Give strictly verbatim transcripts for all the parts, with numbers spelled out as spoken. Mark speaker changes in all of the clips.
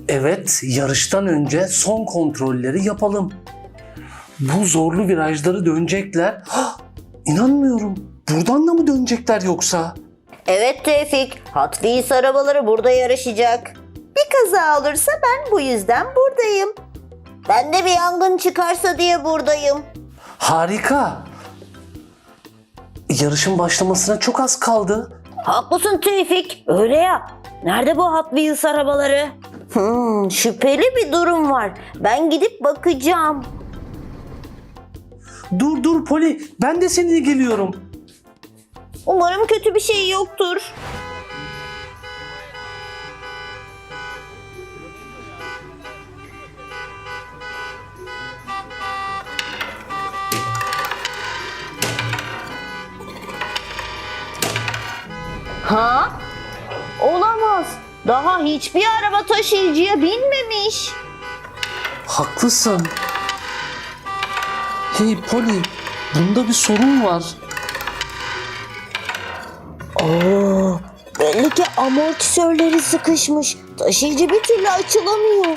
Speaker 1: Evet, yarıştan önce son kontrolleri yapalım. Bu zorlu virajları dönecekler. Hah, İnanmıyorum. Buradan da mı dönecekler yoksa?
Speaker 2: Evet Tevfik, Hot Wheels arabaları burada yarışacak. Bir kaza olursa ben bu yüzden buradayım. Ben de bir yangın çıkarsa diye buradayım.
Speaker 1: Harika. Yarışın başlamasına çok az kaldı.
Speaker 2: Haklısın Tevfik, öyle ya. Nerede bu Hot Wheels arabaları? Hmm, şüpheli bir durum var. Ben gidip bakacağım.
Speaker 1: Dur dur Poli, ben de seninle geliyorum.
Speaker 2: Umarım kötü bir şey yoktur. Ha? Olamaz. Daha hiçbir araba taşıyıcıya binmemiş.
Speaker 1: Haklısın. Hey Poli, bunda bir sorun var.
Speaker 2: Oo, belli ki amortisörleri sıkışmış. Taşıyıcı bir türlü açılamıyor.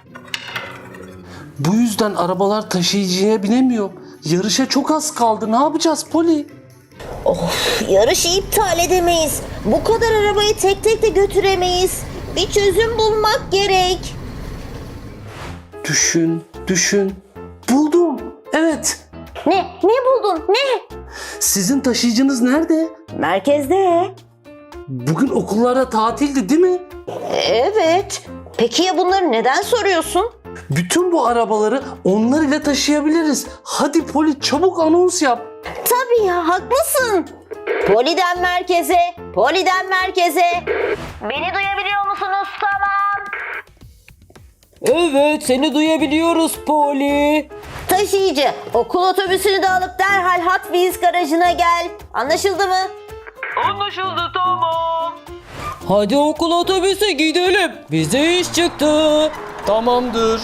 Speaker 1: Bu yüzden arabalar taşıyıcıya binemiyor. Yarışa çok az kaldı. Ne yapacağız Poli?
Speaker 2: Of, yarışı iptal edemeyiz. Bu kadar arabayı tek tek de götüremeyiz. Bir çözüm bulmak gerek.
Speaker 1: Düşün, düşün. Buldum. Evet.
Speaker 2: Ne? Ne buldun? Ne?
Speaker 1: Sizin taşıyıcınız nerede?
Speaker 2: Merkezde.
Speaker 1: Bugün okullarda tatildi değil mi?
Speaker 2: Evet. Peki ya bunları neden soruyorsun?
Speaker 1: Bütün bu arabaları onlar ile taşıyabiliriz. Hadi Poli çabuk anons yap.
Speaker 2: Tabii ya, haklısın. Poliden merkeze, poliden merkeze. Beni duyabiliyor musunuz? Tamam.
Speaker 3: Evet, seni duyabiliyoruz Poli.
Speaker 2: Taşıyıcı, okul otobüsünü de alıp derhal Hot Wheels garajına gel. Anlaşıldı mı?
Speaker 3: Anlaşıldı, tamam. Hadi okul otobüse gidelim. Bize iş çıktı. Tamamdır.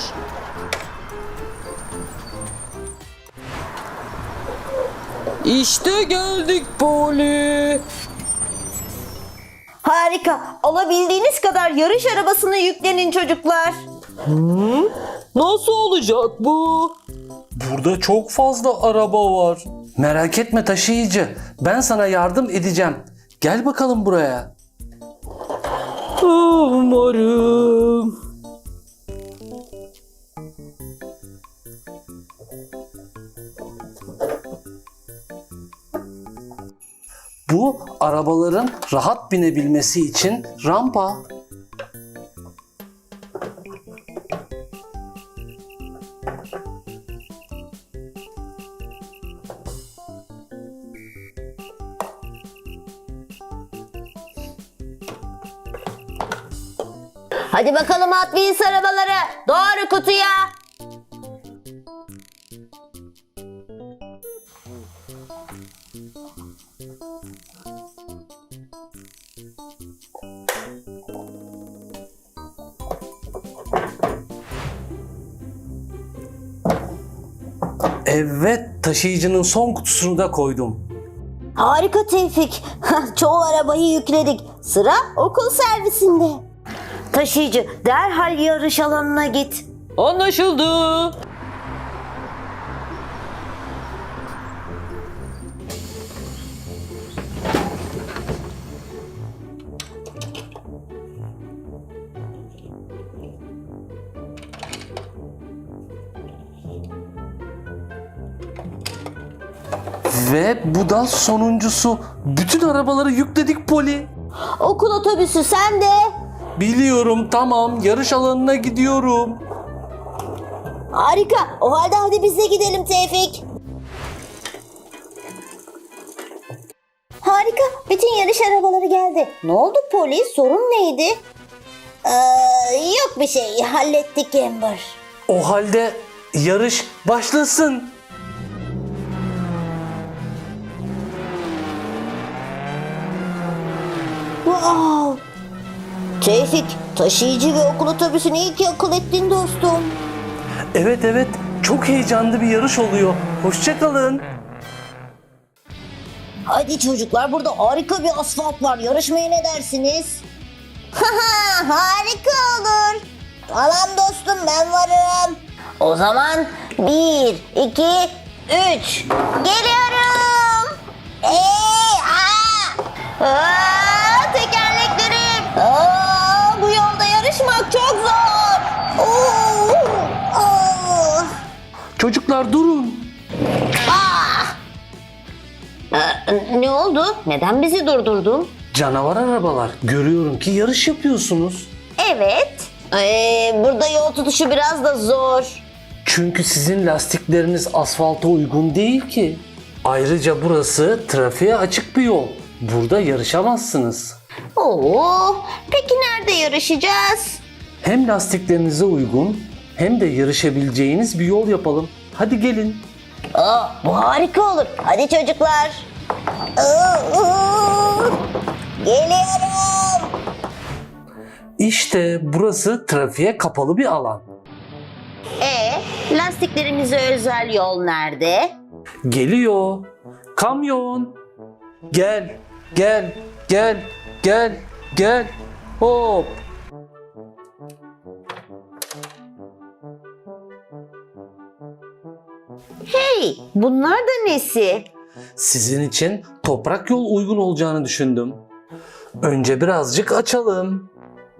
Speaker 3: İşte geldik Poli.
Speaker 2: Harika. Alabildiğiniz kadar yarış arabasına yüklenin çocuklar.
Speaker 3: Nasıl olacak bu?
Speaker 1: Burada çok fazla araba var. Merak etme taşıyıcı. Ben sana yardım edeceğim. Gel bakalım buraya.
Speaker 3: Umarım.
Speaker 1: Bu arabaların rahat binebilmesi için rampa.
Speaker 2: Hadi bakalım Hot Wheels arabaları. Doğru kutuya.
Speaker 1: Evet, taşıyıcının son kutusunu da koydum.
Speaker 2: Harika Tevfik. Çoğu arabayı yükledik. Sıra okul servisinde. Taşıyıcı, derhal yarış alanına git.
Speaker 3: Anlaşıldı.
Speaker 1: Ve bu da sonuncusu. Bütün arabaları yükledik Poli.
Speaker 2: Okul otobüsü sende.
Speaker 1: Biliyorum, tamam. Yarış alanına gidiyorum.
Speaker 2: Harika. O halde hadi biz de gidelim Tevfik. Harika. Bütün yarış arabaları geldi. Ne oldu polis? Sorun neydi? Ee, yok bir şey. Hallettik Amber.
Speaker 1: O halde yarış başlasın.
Speaker 2: Wow. Tevfik, taşıyıcı ve okul otobüsünü iyi ki akıl ettin dostum.
Speaker 1: Evet evet, çok heyecanlı bir yarış oluyor. Hoşça kalın.
Speaker 2: Hadi çocuklar, burada harika bir asfalt var. Yarışmaya ne dersiniz? Haha, harika olur. Tamam dostum, ben varım. O zaman bir, iki, üç. Geliyorum. Hey, aa! Aa, tekerleklerim. Aa, bu yolda yarışmak çok zor. Oo, oo.
Speaker 1: Çocuklar durun.
Speaker 2: Ee, ne oldu? Neden bizi durdurdun?
Speaker 1: Canavar arabalar. Görüyorum ki yarış yapıyorsunuz.
Speaker 2: Evet. Ee, burada yol tutuşu biraz da zor.
Speaker 1: Çünkü sizin lastikleriniz asfalta uygun değil ki. Ayrıca burası trafiğe açık bir yol. Burada yarışamazsınız.
Speaker 2: Oo, peki nerede yarışacağız?
Speaker 1: Hem lastiklerinize uygun hem de yarışabileceğiniz bir yol yapalım. Hadi gelin.
Speaker 2: Aa, bu harika olur. Hadi çocuklar. Aa, aa. Geliyorum.
Speaker 1: İşte burası trafiğe kapalı bir alan.
Speaker 2: E, lastiklerimize özel yol nerede?
Speaker 1: Geliyor. Kamyon. Gel, gel, gel, gel, gel. Hop.
Speaker 2: Hey, bunlar da nesi?
Speaker 1: Sizin için toprak yol uygun olacağını düşündüm. Önce birazcık açalım.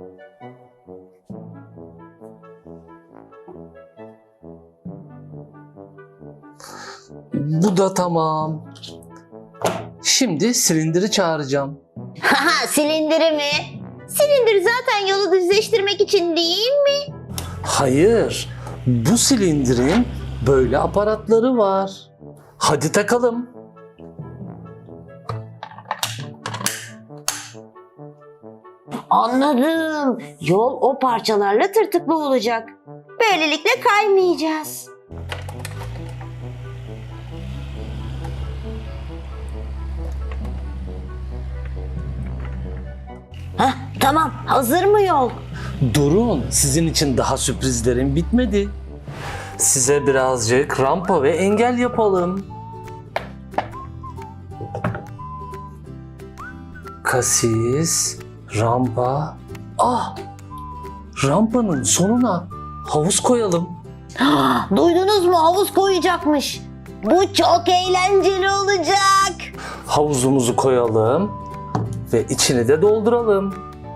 Speaker 1: Bu da tamam. Şimdi silindiri çağıracağım.
Speaker 2: Haha, silindiri mi? Silindir zaten yolu düzleştirmek için değil mi?
Speaker 1: Hayır, bu silindirin böyle aparatları var. Hadi takalım.
Speaker 2: Anladım. Yol o parçalarla tırtıklı olacak. Böylelikle kaymayacağız. Hah, tamam. Hazır mı yol?
Speaker 1: Durun, sizin için daha sürprizlerim bitmedi. Size birazcık rampa ve engel yapalım. Kasis, rampa. Ah! Rampanın sonuna havuz koyalım.
Speaker 2: Duydunuz mu? Havuz koyacakmış. Bu çok eğlenceli olacak.
Speaker 1: Havuzumuzu koyalım ve içini de dolduralım.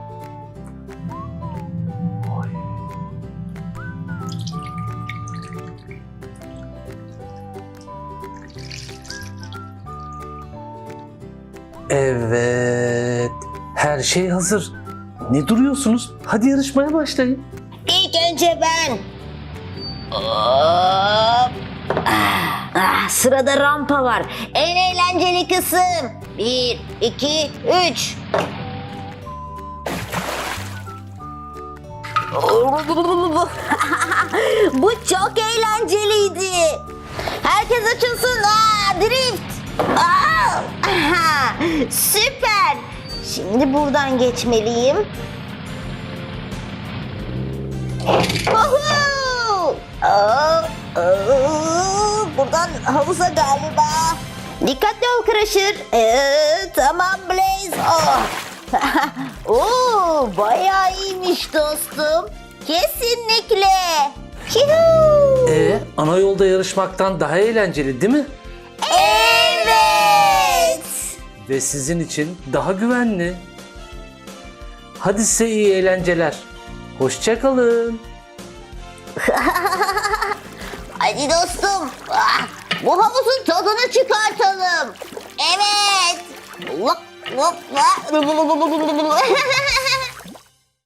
Speaker 1: Evet, her şey hazır. Ne duruyorsunuz? Hadi yarışmaya başlayın.
Speaker 2: İlk önce ben. Hop. Ah, ah, sırada rampa var. En eğlenceli kısım. Bir, iki, üç. Bu çok eğlenceliydi. Herkes açılsın. Aa, drift. Aa, aha, süper. Şimdi buradan geçmeliyim. Woohoo! Aa, aa, buradan havuza galiba. Dikkatli ol Crusher. Ee, tamam Blaze. Oh. Oo, bayağı iyiymiş dostum. Kesinlikle. Yuhuu.
Speaker 1: E, ana yolda yarışmaktan daha eğlenceli değil mi?
Speaker 2: Evet.
Speaker 1: Ve sizin için daha güvenli. Hadi size iyi eğlenceler. Hoşça kalın.
Speaker 2: Hadi dostum. Ah, bu havuzun tadını çıkartalım. Evet. Lop, lop, lop.